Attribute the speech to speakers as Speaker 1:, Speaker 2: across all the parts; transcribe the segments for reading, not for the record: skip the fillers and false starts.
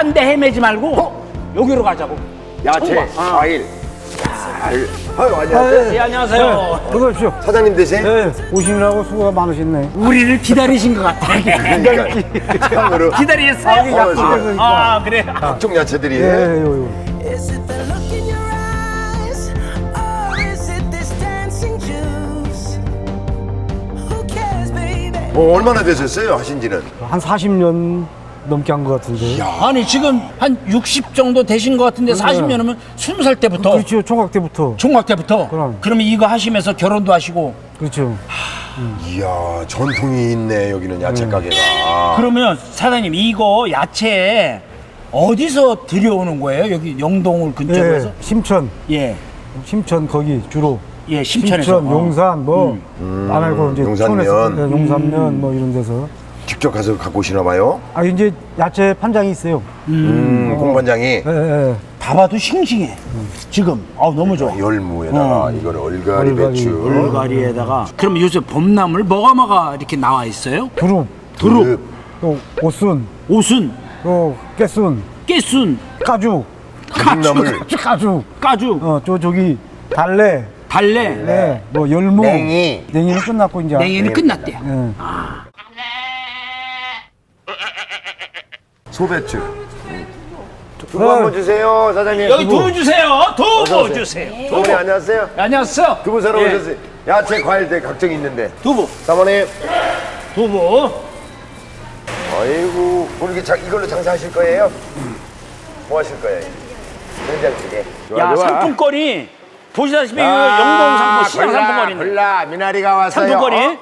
Speaker 1: 딴 데 헤매지 말고 여기로 가자고.
Speaker 2: 야채, 과일. 아유, 안녕하세요.
Speaker 1: 예, 안녕하세요.
Speaker 3: 어서 오십시오.
Speaker 2: 사장님 되세요?
Speaker 3: 네, 오시느라고 수고가 많으셨네.
Speaker 1: 우리를 기다리신 것 같아.
Speaker 2: 그러니까 참으로
Speaker 1: 기다리셨어요?
Speaker 3: 약속해서
Speaker 1: 아, 그래.
Speaker 2: 각종 야채들이에요.
Speaker 3: 예, 요.
Speaker 4: Is it the look in your eyes, or is it this dancing juice? Who cares, baby?
Speaker 2: 얼마나 되셨어요, 하신지는?
Speaker 3: 한 40년 넘게 한 것 같은데.
Speaker 1: 아니, 지금 한 60 정도 되신 것 같은데 40년이면 20살 때부터.
Speaker 3: 그렇죠, 총각 때부터.
Speaker 1: 중학 때부터.
Speaker 3: 그럼.
Speaker 1: 그러면 이거 하시면서 결혼도 하시고.
Speaker 3: 그렇죠.
Speaker 2: 이야, 전통이 있네, 여기는 야채 가게가.
Speaker 1: 그러면 사장님 이거 야채 어디서 들여오는 거예요? 여기 영동을 근처로 해서?
Speaker 3: 예, 심천,
Speaker 1: 예.
Speaker 3: 심천 거기 주로.
Speaker 1: 예, 심천에서.
Speaker 3: 심천, 용산 뭐 안 알고 이제
Speaker 2: 용산면.
Speaker 3: 촌에서, 예, 용산면 뭐 이런 데서.
Speaker 2: 직접 가서 갖고 오시나 봐요?
Speaker 3: 아 이제 야채 판장이 있어요.
Speaker 2: 공반장이
Speaker 3: 예, 예.
Speaker 1: 다 봐도 싱싱해. 지금. 너무 좋아.
Speaker 2: 열무에다가 이거는 얼갈이,
Speaker 3: 얼갈이.
Speaker 2: 배추,
Speaker 1: 얼갈이에다가. 그럼 요새 봄나물 뭐가 이렇게 나와 있어요?
Speaker 3: 두릅,
Speaker 2: 두릅,
Speaker 3: 또 오순,
Speaker 1: 오순,
Speaker 3: 또 깨순,
Speaker 1: 깨순,
Speaker 3: 까죽,
Speaker 2: 가죽나물,
Speaker 3: 까죽.
Speaker 1: 까죽,
Speaker 3: 저기 달래.
Speaker 1: 달래.
Speaker 3: 네, 뭐 열무,
Speaker 2: 냉이.
Speaker 3: 냉이는 끝났고 이제.
Speaker 1: 냉이는 끝났대.
Speaker 3: 예.
Speaker 2: 소배추. 두부 한번 주세요, 사장님.
Speaker 1: 여기 두부 주세요.
Speaker 2: 어서
Speaker 1: 두부
Speaker 2: 오세요.
Speaker 1: 주세요.
Speaker 2: 어머니 안녕하세요.
Speaker 1: 안녕하세요.
Speaker 2: 두부 사러
Speaker 1: 예.
Speaker 2: 오셨어요. 야채, 과일들 각종 있는데.
Speaker 1: 두부.
Speaker 2: 사모님.
Speaker 1: 두부.
Speaker 2: 아이고, 오늘 이걸로 장사하실 거예요? 뭐 하실 거예요? 된장찌개.
Speaker 1: 야, 상품권이 보시다시피 이거 영동 상품 시장 상품권인데.
Speaker 2: 골라, 미나리가 왔어요.
Speaker 1: 상품권이?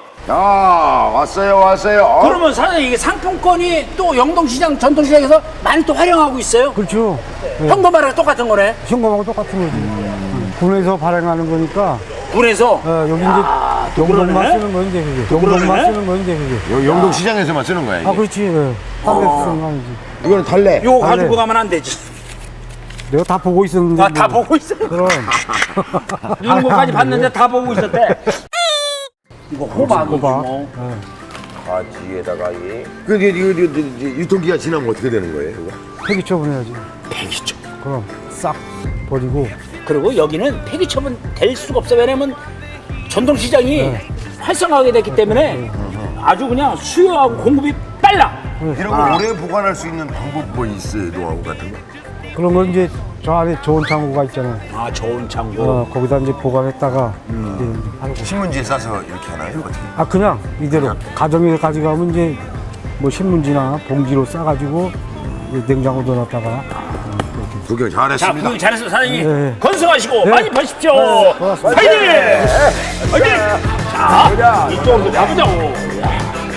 Speaker 2: 왔어요.
Speaker 1: 그러면 사장님 이게 상품권이 또 영동시장 전통시장에서 많이 또 활용하고 있어요?
Speaker 3: 그렇죠.
Speaker 1: 현금화랑 똑같은 거네.
Speaker 3: 현금하고 똑같은 거지. 군에서 발행하는 거니까.
Speaker 1: 군에서.
Speaker 3: 여기 이제 영동만
Speaker 1: 그러네?
Speaker 3: 쓰는 거 이제 그게.
Speaker 1: 그러네?
Speaker 3: 영동만 쓰는 거 이제 그게.
Speaker 2: 영동시장에서만 쓰는 거야, 이게.
Speaker 3: 아 그렇지. 예. 딴 데서 쓰는 거 아니지.
Speaker 2: 이거는 달래.
Speaker 1: 요거
Speaker 3: 달래.
Speaker 1: 가지고 가면 안 되지.
Speaker 3: 내가 다 보고 있었는데.
Speaker 1: 다
Speaker 3: 뭐.
Speaker 1: 보고 있어.
Speaker 3: 그럼.
Speaker 1: 이런 거까지 봤는데 다 보고 있었대. 이거 호박이지 뭐.
Speaker 2: 가지에다가 이거 유통기한 지나면 어떻게 되는 거예요, 이거?
Speaker 3: 폐기 처분해야지.
Speaker 1: 폐기처.
Speaker 3: 그럼 싹 버리고.
Speaker 1: 그리고 여기는 폐기처분 될 수가 없어. 왜냐면 전통시장이 활성화하게 됐기 때문에 아주 그냥 수요하고 공급이 빨라.
Speaker 2: 이런 거 오래 보관할 수 있는 방법 뭐 있어요, 노하우 같은 거?
Speaker 3: 그런 건 이제 저 안에 좋은 창고가 있잖아요.
Speaker 1: 아, 좋은 창고.
Speaker 3: 거기다 이제 보관했다가 이제 하고.
Speaker 2: 신문지에 싸서 이렇게 하나요? 어떻게?
Speaker 3: 아 그냥 이대로 가정에서 가져가면 이제 뭐 신문지나 봉지로 싸가지고 이제 냉장고 넣어놨다가.
Speaker 2: 구경
Speaker 1: 자,
Speaker 2: 잘했습니다.
Speaker 1: 구경 잘했어, 사장님.
Speaker 3: 네.
Speaker 1: 건승하시고
Speaker 3: 네.
Speaker 1: 많이 파십시오.
Speaker 3: 고맙습니다.
Speaker 1: 파이팅! 파이팅! 자, 이쪽으로 가보자고.